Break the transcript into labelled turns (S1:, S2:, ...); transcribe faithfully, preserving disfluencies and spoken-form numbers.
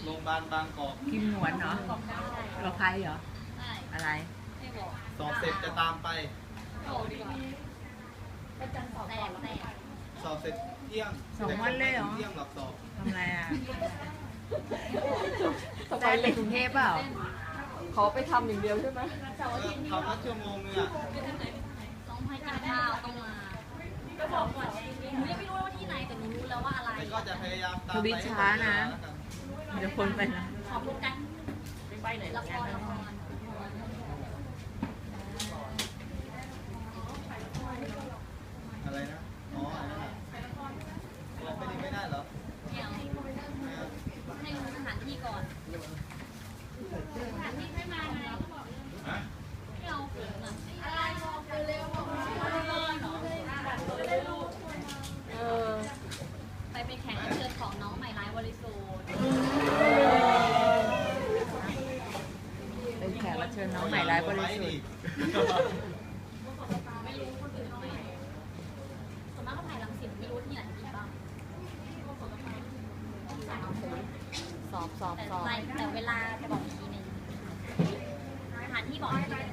S1: โรงพยาบาลบางกอก
S2: กิมหนวนเนาะเราใครเหรอ
S3: ใช่
S2: อะไร
S3: ไม่บอก
S1: สอบเสร็จจะตามไป
S3: บอกดีกว่าแตกแตก
S1: สอบเสร็จเที่ยง
S2: สองวันเลยเหรอ
S1: เที่ยงหลับสอบ
S2: ทำอะไรอ่ะได้ไปกรุงเทพเปล่า
S4: ขอไปทำอย่างเดียวใช่ไหม
S1: เออทำละชั่วโมงนึงอ่ะ
S3: ต้องให้กินข้าวต้องมาก็บอกก่อนหนูยังไม่รู้ว่าที่ไหนแต่หนูรู้แล้วว่าอะไร
S1: แต่ก็จะพยายามตาม
S2: ท
S1: ไป
S2: วิตช้านะ เดี๋ยวคนไปนะ
S3: ขอบคุณกันไปไหนละครละคร
S1: อะไรนะ อ๋ออะไรนะลองไปดีไม่ได้เหรอ
S3: ไม่เอาให้รู้สถานที่ก่อนสถานที่ไม่มาไง
S1: ฮะ
S3: ไม่เอาเขินอ่ะอะไรบอกเร็วบอกเออไปเป็นแขกรับเชิญของน้องใหม่ร้ายวลิสูด
S2: เป็นแขกรับเชิญน้องใหม่ร้ายบริสุทธิ์
S3: ไม่รู้คนอื่นเขาไม่ส่วนมากก็ถ่ายรังสิตไม่รู้ที่ไหนมีบ้าง
S4: สอบสอบ
S3: แต่
S4: สอบ
S3: แต่เวลาจะบอกอีกทีหนึ่งสถานที่บอกอีกที